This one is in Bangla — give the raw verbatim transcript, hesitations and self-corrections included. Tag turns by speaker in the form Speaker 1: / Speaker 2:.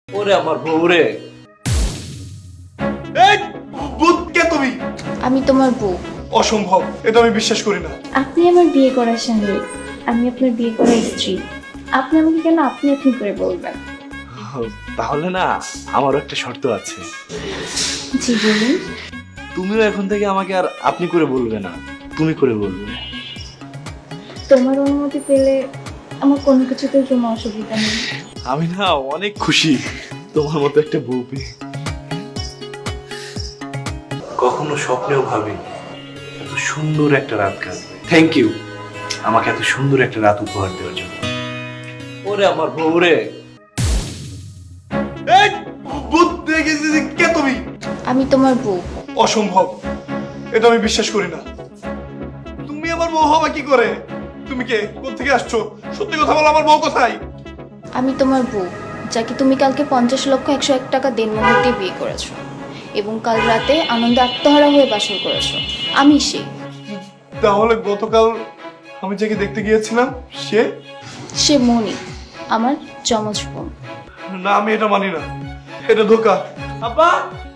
Speaker 1: ওরে আমার বউ রে।
Speaker 2: এই ভূত কে তুমি?
Speaker 3: আমি তোমার বউ।
Speaker 2: অসম্ভব, এটা আমি বিশ্বাস করি না।
Speaker 3: আপনি আমার বিয়ে করার স্বামী, আমি আপনার বিয়ে করার স্ত্রী। আপনি আমাকে কেন আপনি আপনি করে বলবেন?
Speaker 1: তাহলে না আমারও একটা শর্ত আছে।
Speaker 3: জি বলুন।
Speaker 1: তুমিও এখন থেকে আমাকে আর আপনি করে বলবে না, তুমি করে বলবে।
Speaker 3: তোমার অনুমতি পেলে আমার কোনো কিছুতেই কোনো অসুবিধা নেই।
Speaker 1: আমি না অনেক খুশি তোমার মতো একটা বউ পেয়ে। কখনো স্বপ্নেও ভাবি এত সুন্দর একটা রাত কাটবে। থ্যাংক ইউ আমাকে এত সুন্দর একটা রাত উপহার দেওয়ার জন্য। ওরে আমার বউ রে।
Speaker 2: এই ভূত দেখেছি, কে তুমি?
Speaker 3: আমি তোমার বউ।
Speaker 2: অসম্ভব, এটা আমি বিশ্বাস করি না। তুমি আমার বউ হবা কি করে? তুমি কে? কোত্থেকে আসছো? সত্যি কথা বলো, আমার বউ কোথায়?
Speaker 3: আমি তোমার বউ, যাকে তুমি কালকে পঞ্চাশ লক্ষ একশো এক টাকা দেনমোহর দিয়ে বিয়ে করেছো এবং কাল রাতে আনন্দে আত্মহারা হয়ে বাসর করেছো। আমি সে।
Speaker 2: তাহলে গতকাল আমি যাকে দেখতে গিয়েছিলাম সে?
Speaker 3: সে মনি, আমার যমজ বোন।
Speaker 2: না, আমি এটা মানি না, এটা ধোকা। আব্বা!